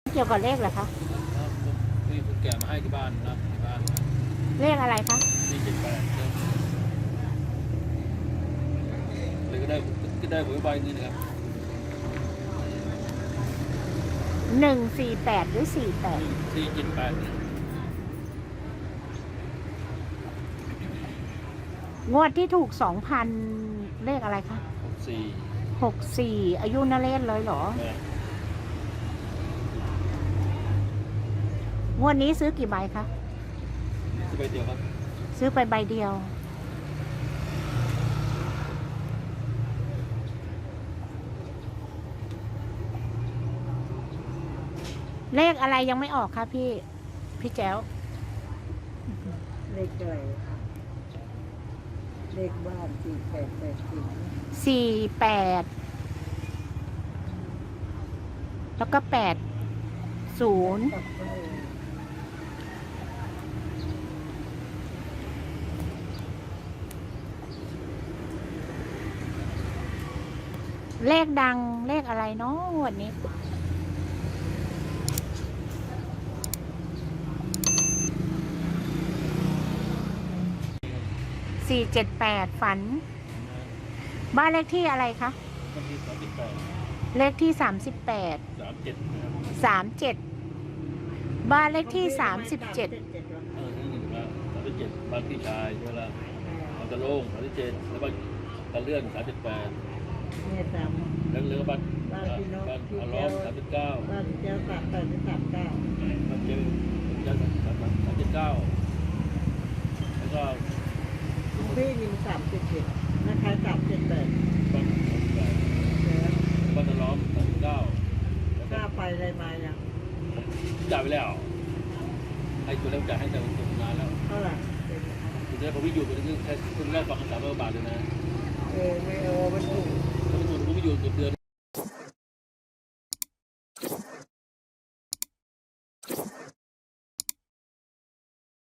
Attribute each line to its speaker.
Speaker 1: เกี่ยวกับเลขเหรอคะ
Speaker 2: ครับมีคนแก่มาให้ที่บ้านนะที่บ้าน
Speaker 1: เลขอะไรคะ
Speaker 2: 478เลยก็ได้หวยใบนี้นะครับ
Speaker 1: 148หรือ48
Speaker 2: 478
Speaker 1: งวดที่ถูก 2,000เลขอะไรคะ64อายุนเรศเลยเหรอ งวดนี้ซื้อกี่ใบคะ
Speaker 2: ซื้อใบเดียวครับ
Speaker 1: ซื้อไปใบเดียว เลขอะไรยังไม่ออกคะพี่แจ๋ว
Speaker 3: เลขอะไรเลขบ้าน
Speaker 1: 48แล้วก็80เลขดังเลขอะไรเนาะวันนี้478ฝันบ้านเลขที่อะไรคะ
Speaker 2: วันที่38
Speaker 1: เลขที่38
Speaker 2: 37
Speaker 1: บ้านเลขที่37
Speaker 2: นี่1แล้ว37บ้านพี่ชายใช่ไหมล่ะมันจะโล่ง37แล้วบ้านตะเลื่อน38
Speaker 3: เนี่ยสาม
Speaker 2: แล้วเรือบ้าน
Speaker 3: พี่น้องพี่
Speaker 2: อาร
Speaker 3: เจ้า
Speaker 2: มณ์39
Speaker 3: บ้านเจ้า38
Speaker 2: บ้านเจ้า39แล้วก็
Speaker 3: พี่มี37นะคะ378
Speaker 2: บ้านตะล้อม39แล้วก็
Speaker 3: ค่าไฟอะไรมาอย่าง
Speaker 2: จ่ายไปแล้วให้ตัวเล่มจ่ายให้แต่ตัวงานแล้ว
Speaker 3: เท่าไหร่
Speaker 2: ทีนี้ผมไม่อยู่ตัวนี้แค่คุณแรกฟัง300 บาทเลยนะ
Speaker 3: ไม่มันถูก
Speaker 2: ผมไม่อยู่เกือบเดือน